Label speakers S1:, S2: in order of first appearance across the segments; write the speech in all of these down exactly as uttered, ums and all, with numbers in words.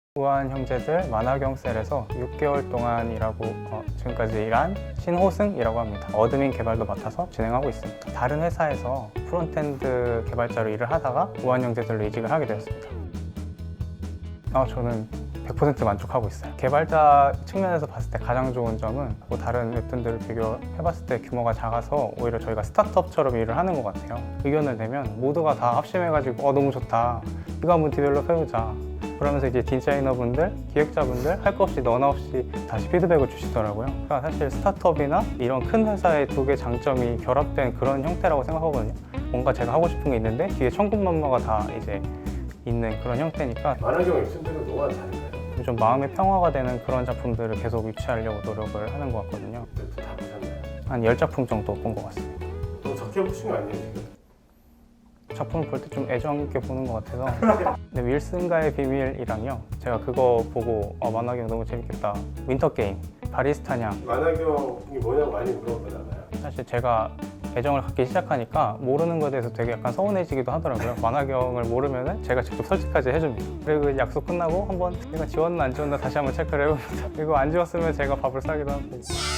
S1: 우아한 형제들 만화경셀에서 육 개월 동안 일하고 어, 지금까지 일한 신호승이라고 합니다. 어드민 개발도 맡아서 진행하고 있습니다. 다른 회사에서 프론트엔드 개발자로 일을 하다가 우아한 형제들로 이직을 하게 되었습니다. 아, 저는 백 퍼센트 만족하고 있어요. 개발자 측면에서 봤을 때 가장 좋은 점은 뭐 다른 웹툰들을 비교해봤을 때 규모가 작아서 오히려 저희가 스타트업처럼 일을 하는 것 같아요. 의견을 내면 모두가 다 합심해가지고 어 너무 좋다, 이거 한번 디벨롭 해보자, 그러면서 이제 디자이너분들, 기획자분들 할 거 없이 너나 없이 다시 피드백을 주시더라고요. 그러니까 사실 스타트업이나 이런 큰 회사의 두 개 장점이 결합된 그런 형태라고 생각하거든요. 뭔가 제가 하고 싶은 게 있는데 뒤에 천군만마가 다 이제 있는 그런 형태니까
S2: 만화경 웹툰들은 뭐가 다른가요?
S1: 좀 마음의 평화가 되는 그런 작품들을 계속 유치하려고 노력을 하는 것 같거든요.
S2: 웹툰 다 보셨나요?
S1: 한 열 작품 정도 본 것 같습니다.
S2: 너무 적게 보신 거 아니에요 지금?
S1: 작품을 볼 때 좀 애정 있게 보는 것 같아서. 근데 윌슨가의 비밀이랑요, 제가 그거 보고 어, 만화경 너무 재밌겠다. 윈터게임, 바리스타냥.
S2: 만화경이 뭐냐고 많이 물어보나 봐요.
S1: 사실 제가 애정을 갖기 시작하니까 모르는 것에 대해서 되게 약간 서운해지기도 하더라고요. 만화경을 모르면은 제가 직접 설치까지 해줍니다. 그리고 약속 끝나고 한번 내가 지웠나 안 지웠나 다시 한번 체크를 해봅니다. 그리고 안 지웠으면 제가 밥을 싸기도 하고.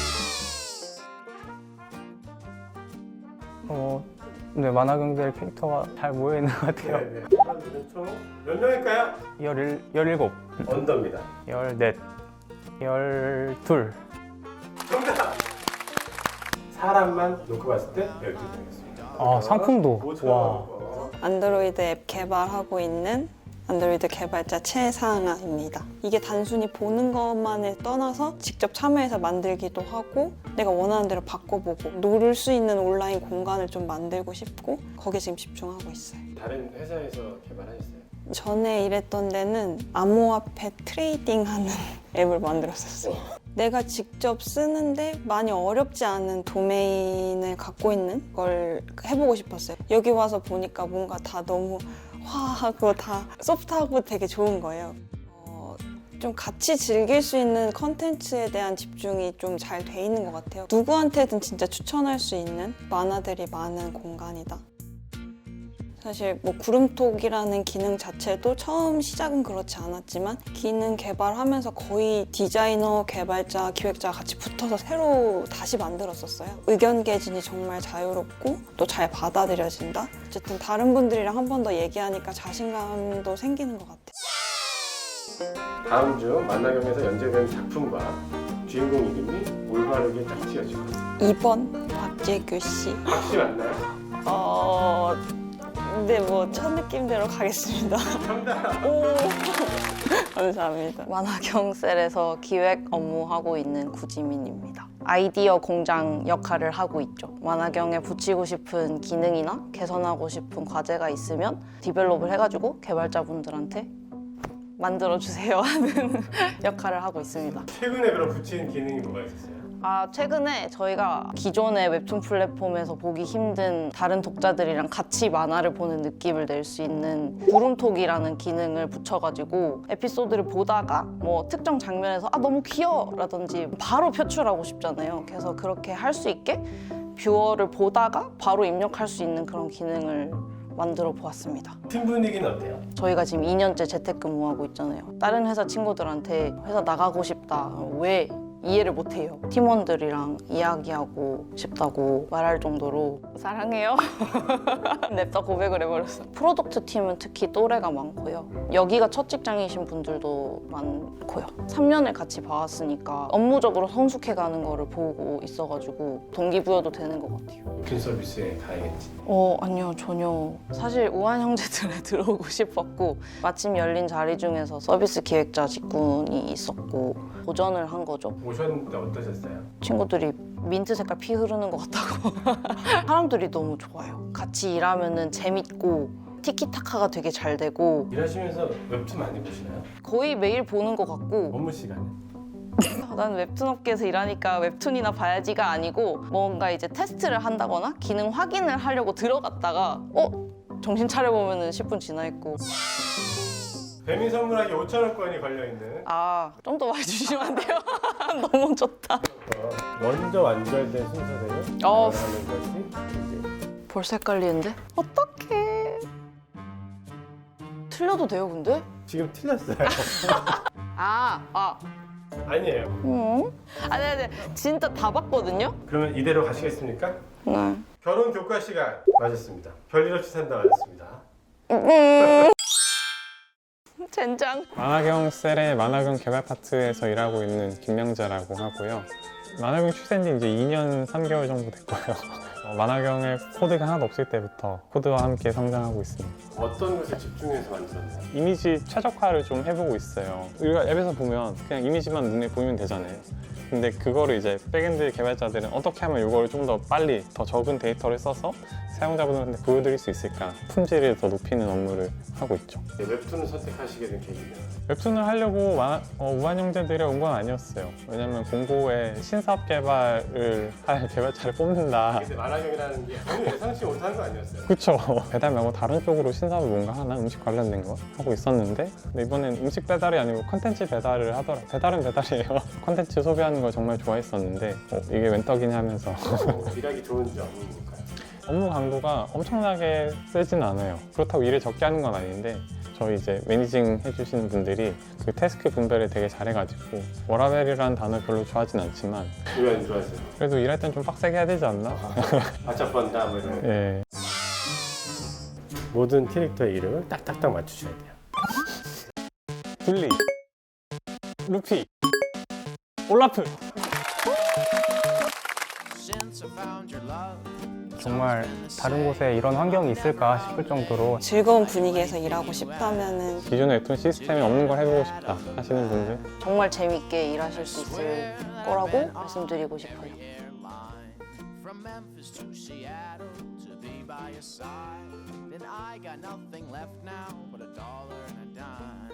S1: 어, 네, 만화경들 캐릭터가 잘 모여있는 것 같아요.
S2: 네네. 사람들은 총 몇 명일까요?
S1: 열일, 열일곱,
S2: 언더입니다.
S1: 열넷, 열둘.
S2: 정답! 사람만 놓고 봤을 때 열두 명이었습니다.
S1: 아, 상품도.
S2: 오천원
S1: 와.
S2: 거.
S3: 안드로이드 앱 개발하고 있는 안드로이드 개발자 최상아입니다. 이게 단순히 보는 것만을 떠나서 직접 참여해서 만들기도 하고 내가 원하는 대로 바꿔보고 놀을 수 있는 온라인 공간을 좀 만들고 싶고 거기에 지금 집중하고 있어요.
S2: 다른 회사에서 개발하셨어요?
S3: 전에 일했던 데는 암호화폐 트레이딩하는 앱을 만들었었어요. 내가 직접 쓰는데 많이 어렵지 않은 도메인을 갖고 있는 걸 해보고 싶었어요. 여기 와서 보니까 뭔가 다 너무 화하고 다 소프트하고 되게 좋은 거예요. 어, 좀 같이 즐길 수 있는 컨텐츠에 대한 집중이 좀 잘 돼 있는 것 같아요. 누구한테든 진짜 추천할 수 있는 만화들이 많은 공간이다. 사실 뭐 구름톡이라는 기능 자체도 처음 시작은 그렇지 않았지만 기능 개발하면서 거의 디자이너, 개발자, 기획자가 같이 붙어서 새로 다시 만들었었어요. 의견 개진이 정말 자유롭고 또 잘 받아들여진다. 어쨌든 다른 분들이랑 한 번 더 얘기하니까 자신감도 생기는 것 같아요.
S2: 다음 주 만화경에서 연재된 작품과 주인공 이름이 올바르게 딱 지어지고
S3: 이 번 박재규 씨.
S2: 박씨 맞나요?
S3: 어... 근데 뭐 첫 느낌대로 가겠습니다.
S2: 정답!
S3: 오, 감사합니다.
S4: 만화경셀에서 기획 업무하고 있는 구지민입니다. 아이디어 공장 역할을 하고 있죠. 만화경에 붙이고 싶은 기능이나 개선하고 싶은 과제가 있으면 디벨롭을 해가지고 개발자분들한테 만들어주세요 하는 역할을 하고 있습니다.
S2: 최근에 그럼 붙이는 기능이 뭐가 있었어요?
S4: 아, 최근에 저희가 기존의 웹툰 플랫폼에서 보기 힘든 다른 독자들이랑 같이 만화를 보는 느낌을 낼 수 있는 구름톡이라는 기능을 붙여가지고 에피소드를 보다가 뭐 특정 장면에서 아 너무 귀여워 라든지 바로 표출하고 싶잖아요. 그래서 그렇게 할 수 있게 뷰어를 보다가 바로 입력할 수 있는 그런 기능을 만들어 보았습니다.
S2: 팀 분위기는 어때요?
S4: 저희가 지금 이 년째 재택근무하고 있잖아요. 다른 회사 친구들한테 회사 나가고 싶다. 왜? 이해를 못해요. 팀원들이랑 이야기하고 싶다고 말할 정도로 사랑해요. 냅다 고백을 해버렸어요. 프로덕트 팀은 특히 또래가 많고요. 여기가 첫 직장이신 분들도 많고요. 삼 년을 같이 봐왔으니까 업무적으로 성숙해가는 거를 보고 있어가지고 동기부여도 되는 것 같아요.
S2: 웹툰 서비스에 가야겠지.
S4: 어 아니요 전혀. 사실 우한 형제들에 들어오고 싶었고 마침 열린 자리 중에서 서비스 기획자 직군이 있었고 도전을 한 거죠.
S2: 오셨는데 어떠셨어요?
S4: 친구들이 민트 색깔 피 흐르는 것 같다고. 사람들이 너무 좋아요. 같이 일하면은 재밌고 티키타카가 되게 잘 되고
S2: 일하시면서 웹툰 많이 보시나요?
S4: 거의 매일 보는 것 같고
S2: 업무 시간에?
S4: 난 웹툰 업계에서 일하니까 웹툰이나 봐야지가 아니고 뭔가 이제 테스트를 한다거나 기능 확인을 하려고 들어갔다가 어? 정신 차려보면 십 분 지나 있고
S2: 배민 선물하기 오천원권이 걸려있는
S4: 아 좀 더 많이 주시면 안 돼요? 너무 좋다.
S2: 먼저 완결된 순서대로
S4: 어.
S2: 하는 것이 이제
S4: 벌써 헷갈리는데? 어떡해. 틀려도 돼요 근데?
S2: 지금 틀렸어요.
S4: 아, 아,
S2: 아니에요.
S4: 음? 아니, 아니, 진짜 다 봤거든요?
S2: 그러면 이대로 가시겠습니까?
S3: 네.
S2: 결혼 교과 시간 맞았습니다. 별일 없이 산다 맞았습니다.
S4: 젠장.
S1: 만화경 셀의 만화경 개발 파트에서 일하고 있는 김명자라고 하고요. 만화경 출시한 지 이제 이 년 삼 개월 정도 됐고요. 어, 만화경에 코드가 하나도 없을 때부터 코드와 함께 성장하고 있습니다.
S2: 어떤 것에 집중해서 만들었나요?
S1: 이미지 최적화를 좀 해보고 있어요. 우리가 앱에서 보면 그냥 이미지만 눈에 보이면 되잖아요. 근데 그거를 이제 백엔드 개발자들은 어떻게 하면 이걸 좀 더 빨리 더 적은 데이터를 써서 사용자분들한테 보여드릴 수 있을까, 품질을 더 높이는 업무를 하고 있죠.
S2: 네, 웹툰을 선택하시게 된 계기는?
S1: 웹툰을 하려고 마, 어, 우한형제들이 온 건 아니었어요. 왜냐면 공고에 신사업 개발을 할 개발자를 뽑는다.
S2: 근데 만화경이라는 게 전혀 예상치 못한 거 아니었어요?
S1: 그쵸. 배달 말고 다른 쪽으로 신사업을 뭔가 하나, 음식 관련된 거 하고 있었는데, 근데 이번엔 음식 배달이 아니고 컨텐츠 배달을 하더라. 배달은 배달이에요. 컨텐츠 소비하는 걸 정말 좋아했었는데 어, 이게 웬 떡이냐 하면서
S2: 어, 일하기 좋은 점이니까요.
S1: 업무 강도가 엄청나게 세진 않아요. 그렇다고 일을 적게 하는 건 아닌데 저희 이제 매니징 해주시는 분들이 그 태스크 분배를 되게 잘해가지고 워라벨이라는 단어 별로 좋아하진 않지만
S2: 왜 안 좋아하세요?
S1: 그래도 일할 땐 좀 빡세게 해야 되지 않나?
S2: 바짝 번다 뭐 이런.
S1: 예.
S2: 모든 캐릭터의 이름을 딱딱딱 맞추셔야 돼요.
S1: 딜리, 루피, 올라프. 정말 다른 곳에 이런 환경이 있을까 싶을 정도로
S3: 즐거운 분위기에서 일하고 싶다면은
S1: 기존의 웹툰 시스템이 없는 걸 해보고 싶다 하시는 분들
S4: 정말 재밌게 일하실 수 있을 거라고 말씀드리고 싶어요.
S5: From Memphis to Seattle to be by your side. Then I got nothing left now but a dollar and a dime.